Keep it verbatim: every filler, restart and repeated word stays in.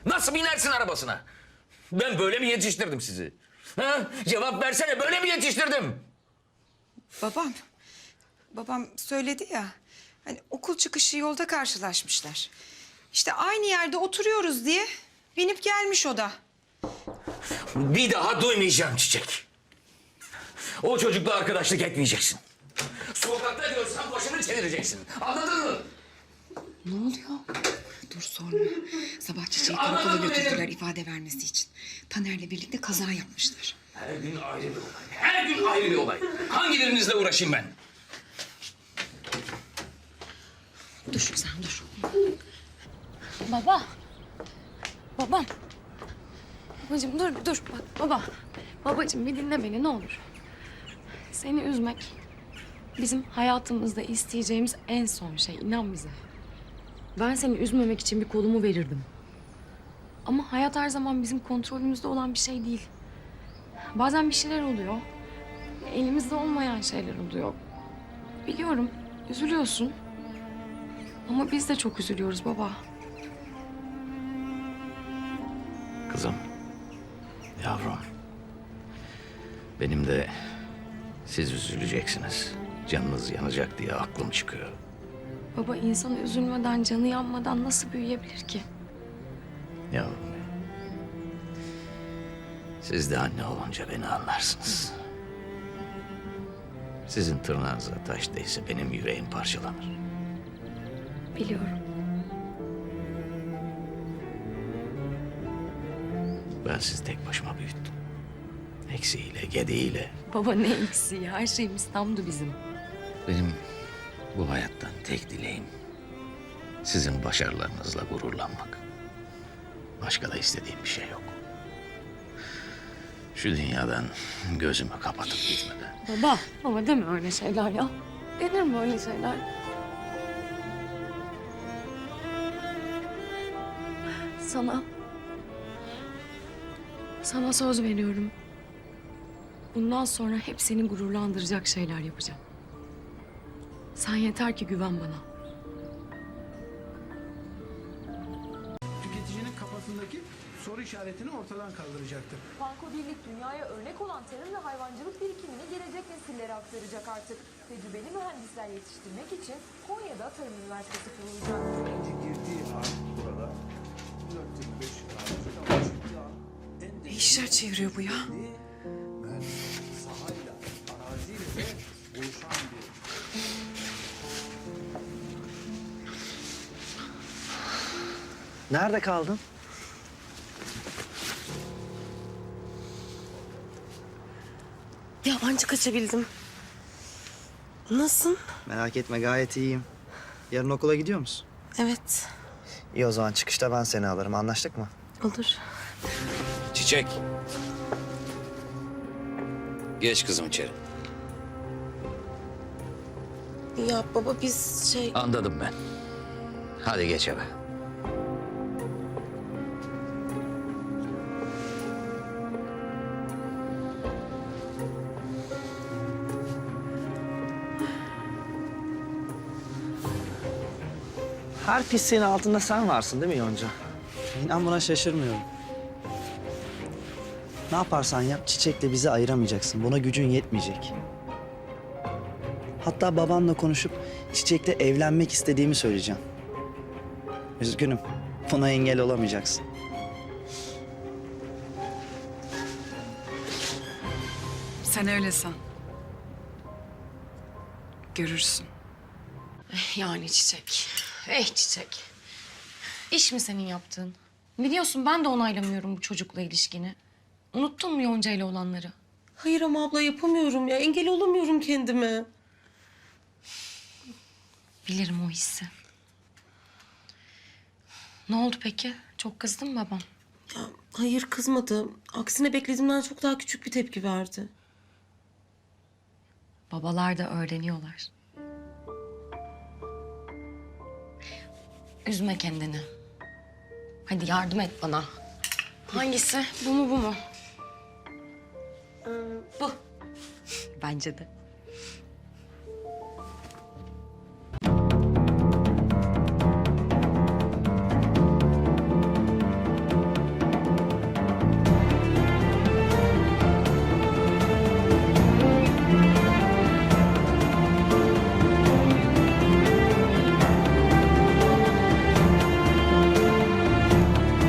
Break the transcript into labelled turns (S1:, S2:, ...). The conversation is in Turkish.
S1: Nasıl binersin arabasına? Ben böyle mi yetiştirdim sizi? Ha? Cevap versene, böyle mi yetiştirdim?
S2: Babam, babam söyledi ya. Hani okul çıkışı yolda karşılaşmışlar. İşte aynı yerde oturuyoruz diye binip gelmiş o da.
S1: Bir daha duymayacağım Çiçek. O çocukla arkadaşlık etmeyeceksin. Sokakta görsen başını çevireceksin. Anladın mı?
S2: Ne oluyor? Dur sorma. Sabah Çiçeği
S1: Anladım
S2: karakola
S1: benim.
S2: götürdüler ifade vermesi için. Taner'le birlikte kaza yapmışlar.
S1: Her gün ayrı bir olay. Her gün ayrı bir olay. Hangilerinizle uğraşayım ben?
S2: Dur sen dur.
S3: Baba. Babam. Babacığım dur dur bak baba. Babacığım bir dinle beni ne olur. Seni üzmek bizim hayatımızda isteyeceğimiz en son şey, inan bize. Ben seni üzmemek için bir kolumu verirdim. Ama hayat her zaman bizim kontrolümüzde olan bir şey değil. Bazen bir şeyler oluyor. Elimizde olmayan şeyler oluyor. Biliyorum, üzülüyorsun. Ama biz de çok üzülüyoruz baba.
S1: Kızım, yavrum. Benim de siz üzüleceksiniz. Canınız yanacak diye aklım çıkıyor.
S3: Baba insan üzülmeden, canı yanmadan nasıl büyüyebilir ki?
S1: Yavrum benim. Siz de anne olunca beni anlarsınız. Sizin tırnağınıza taş değse benim yüreğim parçalanır.
S3: Biliyorum.
S1: Ben sizi tek başıma büyüttüm. Eksiğiyle, gediğiyle.
S3: Baba ne eksiği, her şeyimiz tamdı bizim.
S1: Benim bu hayattan tek dileğim sizin başarılarınızla gururlanmak. Başka da istediğim bir şey yok. Şu dünyadan gözümü kapatıp gitmeden.
S3: Baba, baba deme öyle şeyler ya. Denir mi öyle şeyler? Sana... Sana söz veriyorum. Bundan sonra hep seni gururlandıracak şeyler yapacağım. Sen yeter ki güven bana.
S4: Tüketicinin kafasındaki soru işaretini ortadan kaldıracaktır.
S5: Panko Birlik dünyaya örnek olan tarım ve hayvancılık birikimini gelecek nesillere aktaracak artık. Tecrübeli mühendisler yetiştirmek için Konya'da Tarım Üniversitesi kurulacak.
S6: Önce girdiği an burada dört yirmi beş kaldı ama çıktığı an en
S2: Ne işler çeviriyor bu ya?
S6: mühendislik sahayla, araziyle de oluşan bir
S7: Nerede kaldın?
S8: Ya anca kaçabildim. Nasılsın?
S7: Merak etme gayet iyiyim. Yarın okula gidiyor musun?
S8: Evet,
S7: İyi o zaman çıkışta ben seni alırım. Anlaştık mı?
S8: olur.
S1: Çiçek. Geç kızım içeri.
S8: Ya baba biz şey...
S1: Anladım ben. Hadi geç eve.
S7: Her pisliğin altında sen varsın değil mi Yonca? İnan buna şaşırmıyorum. Ne yaparsan yap Çiçek'le bizi ayıramayacaksın. Buna gücün yetmeyecek. Hatta babanla konuşup Çiçek'le evlenmek istediğimi söyleyeceğim. Üzgünüm. Buna engel olamayacaksın.
S2: Sen öyle san. Görürsün.
S3: Yani Çiçek. Eh Çiçek. İş mi senin yaptığın? Biliyorsun ben de onaylamıyorum bu çocukla ilişkini. Unuttun mu Yonca ile olanları?
S8: Hayır ama abla yapamıyorum ya. Engel olamıyorum kendime.
S3: Bilirim o hissi. Ne oldu peki? Çok kızdın mı babam?
S8: Ya hayır kızmadı. Aksine beklediğimden çok daha küçük bir tepki verdi.
S3: Babalar da öğreniyorlar. Üzme kendini. Hadi yardım et bana. Hangisi? Bu mu bu mu? Bu. Bence de.